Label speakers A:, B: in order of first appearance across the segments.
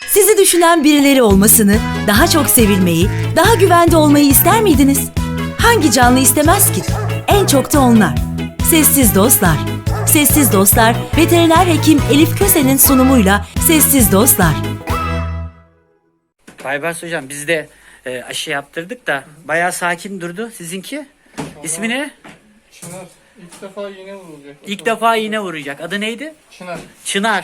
A: Sizi düşünen birileri olmasını, daha çok sevilmeyi, daha güvende olmayı ister miydiniz? Hangi canlı istemez ki? En çok da onlar. Sessiz Dostlar. Sessiz Dostlar, veteriner hekim Elif Köse'nin sunumuyla Sessiz Dostlar.
B: Baybars hocam biz de aşı yaptırdık da bayağı sakin durdu. Sizinki? İsmi ne?
C: Çınar. İlk defa iğne vurulacak.
B: İlk defa iğne vuracak. Adı neydi?
C: Çınar.
B: Çınar.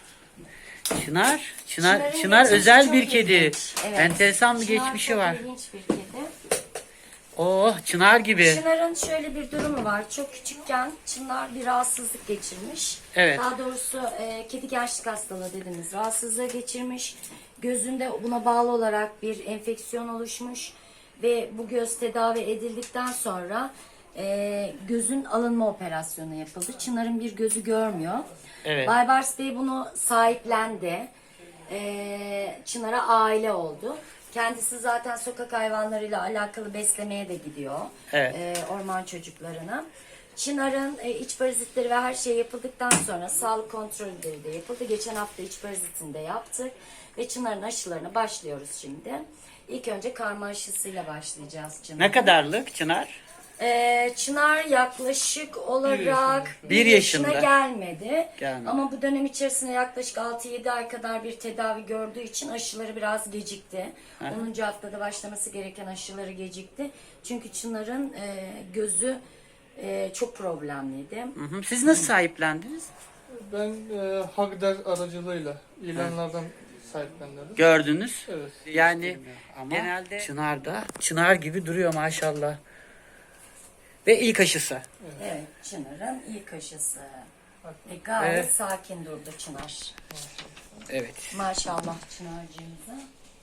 B: Çınar özel bir kedi.
D: Evet.
B: Enteresan bir
D: Çınar
B: geçmişi
D: çok
B: var.
D: ilginç bir kedi.
B: Oh, Çınar gibi.
D: Çınar'ın şöyle bir durumu var. Çok küçükken Çınar bir rahatsızlık geçirmiş.
B: Evet.
D: Daha doğrusu kedi gençlik hastalığı dediğimiz rahatsızlığı geçirmiş. Gözünde buna bağlı olarak bir enfeksiyon oluşmuş. Ve bu göz tedavi edildikten sonra gözün alınma operasyonu yapıldı. Çınar'ın bir gözü görmüyor.
B: Evet.
D: Baybars Bey bunu sahiplendi. Çınar'a aile oldu. Kendisi zaten sokak hayvanlarıyla alakalı beslemeye de gidiyor.
B: Evet.
D: Orman çocuklarına. Çınar'ın iç parazitleri ve her şey yapıldıktan sonra sağlık kontrolleri de yapıldı. Geçen hafta iç parazitini de yaptık. Ve Çınar'ın aşılarına başlıyoruz şimdi. İlk önce karma aşısıyla başlayacağız Çınar'ın.
B: Ne kadarlık Çınar?
D: Çınar yaklaşık olarak
B: Bir yaşında.
D: gelmedi.
B: Gelmedi.
D: Ama bu dönem içerisinde yaklaşık 6-7 ay kadar bir tedavi gördüğü için aşıları biraz gecikti. 10. haftada başlaması gereken aşıları gecikti. Çünkü Çınar'ın gözü çok problemliydi.
B: Hı hı. Siz nasıl sahiplendiniz?
C: Ben Hagder aracılığıyla ilanlardan sahiplendim.
B: Gördünüz.
C: Evet.
B: Yani ama genelde Çınar gibi duruyor maşallah. Ve ilk aşısı.
D: Evet, Çınar'ın ilk aşısı. Gayet
B: Evet.
D: sakin durdu Çınar.
B: Evet.
D: Maşallah Çınar'cığımıza.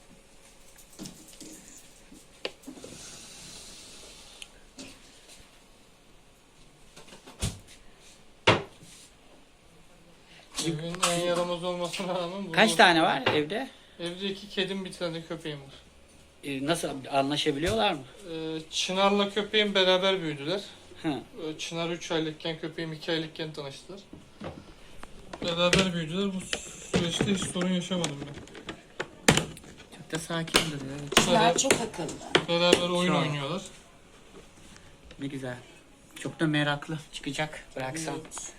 C: Evin en yaramaz olmasına rağmen bunu...
B: Kaç tane var evde?
C: Evde 2 kedim, bir tane köpeğim var.
B: Nasıl anlaşabiliyorlar mı?
C: Çınar'la köpeğim beraber büyüdüler.
B: Hı.
C: Çınar 3 aylıkken, köpeğim 2 aylıkken tanıştılar. Beraber büyüdüler. Bu süreçte hiç sorun yaşamadım ben.
B: Çok da sakin duruyor. Evet.
D: Çınar çok akıllı.
C: Beraber oyun
B: Çok.
C: oynuyorlar.
B: Ne güzel. Çok da meraklı. Çıkacak bıraksam.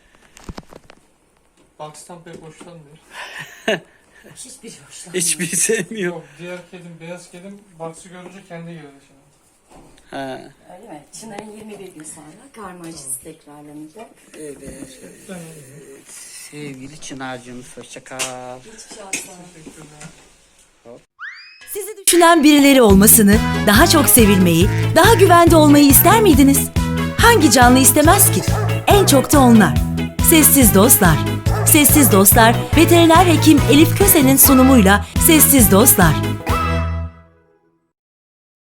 C: Box'tan pek hoşlanmıyor.
D: Hiçbir hoşlanmıyor.
B: Hiçbiri sevmiyor.
C: Yok, diğer kedim, beyaz kedim Box'ı görünce kendi geldi şimdi.
B: Ha.
D: Öyle mi? Çınar'ın 21 gün sonra karma aşısı tekrarlanacak.
B: Evet. Sevgili Çınar'cığımız hoşça kal.
D: Hiçbir şey asla.
A: Sizi düşünen birileri olmasını, daha çok sevilmeyi, daha güvende olmayı ister miydiniz? Hangi canlı istemez ki? En çok da onlar. Sessiz Dostlar. Sessiz Dostlar, veteriner hekim Elif Köse'nin sunumuyla Sessiz Dostlar.